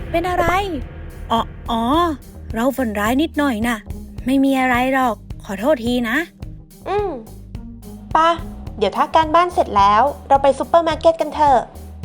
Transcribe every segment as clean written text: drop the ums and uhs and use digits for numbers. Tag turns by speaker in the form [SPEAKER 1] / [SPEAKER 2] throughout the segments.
[SPEAKER 1] เป็นอะไรอ๋อเราฝันร้ายนิดหน่อยน่ะไม่มีอะไรหรอกขอโทษทีนะ
[SPEAKER 2] ป่ะเดี๋ยวถ้าการบ้านเสร็จแล้วเราไปซูเปอร์มาร์เก็ตกันเถอะ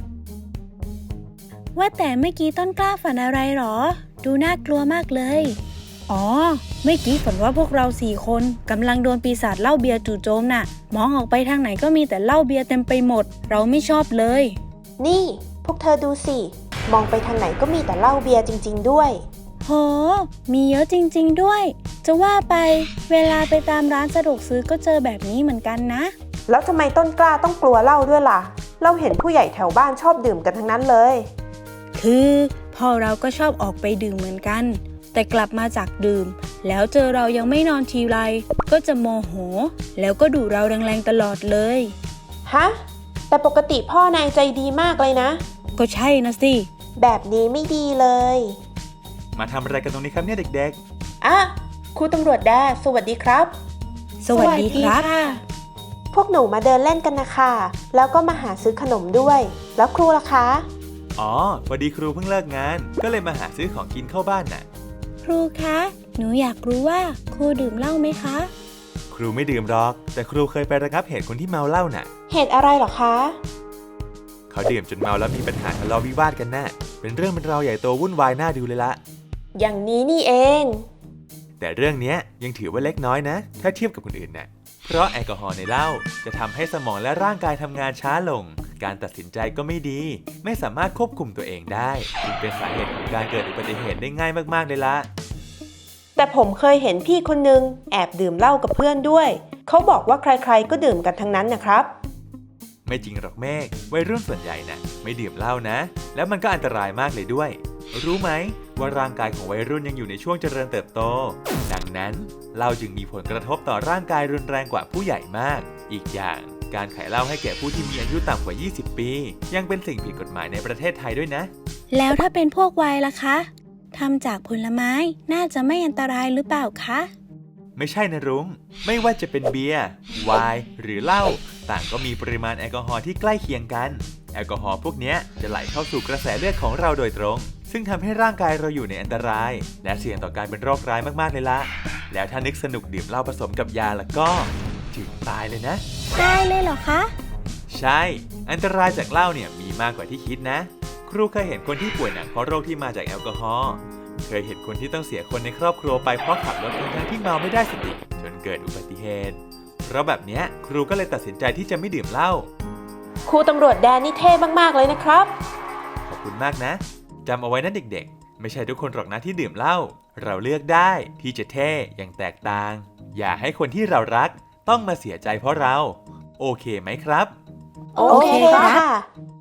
[SPEAKER 1] ว่าแต่เมื่อกี้ต้นกล้าฝันอะไรหรอดูน่ากลัวมากเลยอ๋อเมื่อกี้ฝันว่าพวกเรา4 คนกำลังโดนปีศาจเหล้าเบียร์จู่โจมน่ะมองออกไปทางไหนก็มีแต่เหล้าเบียร์เต็มไปหมดเราไม่ชอบเลย
[SPEAKER 2] นี่พวกเธอดูสิมองไปทางไหนก็มีแต่เหล้าเบียร์จริงๆด้วย
[SPEAKER 1] โหมีเยอะจริงๆด้วยจะว่าไปเวลาไปตามร้านสะดวกซื้อก็เจอแบบนี้เหมือนกันนะ
[SPEAKER 2] แล้วทำไมต้นกล้าต้องกลัวเหล้าด้วยล่ะเราเห็นผู้ใหญ่แถวบ้านชอบดื่มกันทั้งนั้นเลย
[SPEAKER 1] คือพ่อเราก็ชอบออกไปดื่มเหมือนกันแต่กลับมาจากดื่มแล้วเจอเรายังไม่นอนทีไรก็จะโมโหแล้วก็ดุเราแรงๆตลอดเลย
[SPEAKER 2] ฮะแต่ปกติพ่อนายใจดีมากเลยนะ
[SPEAKER 1] ก็ใช่นะสิ
[SPEAKER 2] แบบนี้ไม่ดีเลย
[SPEAKER 3] มาทำอะไรกันตรงนี้ครับเนี่ยเด็ก
[SPEAKER 2] ๆอ่ะครูตำรวจแดสวัสดีครับ
[SPEAKER 1] สวัสดีครับ
[SPEAKER 2] พวกหนูมาเดินเล่นกันนะคะแล้วก็มาหาซื้อขนมด้วยแล้วครูล่ะคะ
[SPEAKER 3] อ๋อพอดีครูเพิ่งเลิกงานก็เลยมาหาซื้อของกินเข้าบ้านน่ะ
[SPEAKER 1] ครูคะหนูอยากรู้ว่าครูดื่มเหล้าไหมคะ
[SPEAKER 3] ครูไม่ดื่มหรอกแต่ครูเคยไประงับเหตุคนที่เมาเหล้าน่ะ
[SPEAKER 2] เหตุอะไรหรอคะ
[SPEAKER 3] เขาดื่มจนเมาแล้วมีปัญหาทะเลาะวิวาทกันน่ะเป็นเรื่องเป็นราวใหญ่โตวุ่นวายน่าดูเลยละ
[SPEAKER 2] อย่างนี้นี่เอง
[SPEAKER 3] แต่เรื่องนี้ยังถือว่าเล็กน้อยนะถ้าเทียบกับคนอื่นน่ะเพราะแอลกอฮอล์ในเหล้าจะทำให้สมองและร่างกายทำงานช้าลงการตัดสินใจก็ไม่ดีไม่สามารถควบคุมตัวเองได้จึงเป็นสาเหตุของการเกิดอุบัติเหตุได้ง่ายมากๆเลยละ
[SPEAKER 2] แต่ผมเคยเห็นพี่คนนึงแอบดื่มเหล้ากับเพื่อนด้วยเขาบอกว่าใครๆก็ดื่มกันทั้งนั้นนะครับ
[SPEAKER 3] ไม่จริงหรอกเมฆวัยรุ่นส่วนใหญ่น่ะไม่ดื่มเหล้านะแล้วมันก็อันตรายมากเลยด้วยรู้ไหมว่าร่างกายของวัยรุ่นยังอยู่ในช่วงเจริญเติบโตดังนั้นเหล้าจึงมีผลกระทบต่อร่างกายรุนแรงกว่าผู้ใหญ่มากอีกอย่างการขายเหล้าให้แก่ผู้ที่มีอายุต่ำกว่า20 ปียังเป็นสิ่งผิดกฎหมายในประเทศไทยด้วยนะ
[SPEAKER 1] แล้วถ้าเป็นพวกไวน์ล่ะคะทำจากผลไม้น่าจะไม่อันตรายหรือเปล่าคะ
[SPEAKER 3] ไม่ใช่นะรุ้งไม่ว่าจะเป็นเบียร์ไวน์หรือเหล้าต่างก็มีปริมาณแอลกอฮอล์ที่ใกล้เคียงกันแอลกอฮอล์พวกนี้จะไหลเข้าสู่กระแสเลือดของเราโดยตรงซึ่งทำให้ร่างกายเราอยู่ในอันตรายและเสี่ยงต่อการเป็นโรคร้ายมากๆเลยละแล้วถ้านึกสนุกดื่มเหล้าผสมกับยาแล้วก็ถึงตายเลยนะ
[SPEAKER 1] ตายเลยเหรอคะ
[SPEAKER 3] ใช่อันตรายจากเหล้าเนี่ยมีมากกว่าที่คิดนะครูเคยเห็นคนที่ป่วยหนักเพราะโรคที่มาจากแอลกอฮอล์เคยเห็นคนที่ต้องเสียคนในครอบครัวไปเพราะขับรถทั้งที่เมาไม่ได้สติจนเกิดอุบัติเหตุเพราะแบบนี้ครูก็เลยตัดสินใจที่จะไม่ดื่มเหล้า
[SPEAKER 2] ครูตำรวจแดนนี่เท่มากๆเลยนะครับ
[SPEAKER 3] ขอบคุณมากนะจำเอาไว้นะเด็กๆไม่ใช่ทุกคนหรอกนะที่ดื่มเหล้าเราเลือกได้ที่จะเท่อย่างแตกต่างอย่าให้คนที่เรารักต้องมาเสียใจเพราะเราโอเคไหมครับ
[SPEAKER 2] โอเคค่ะ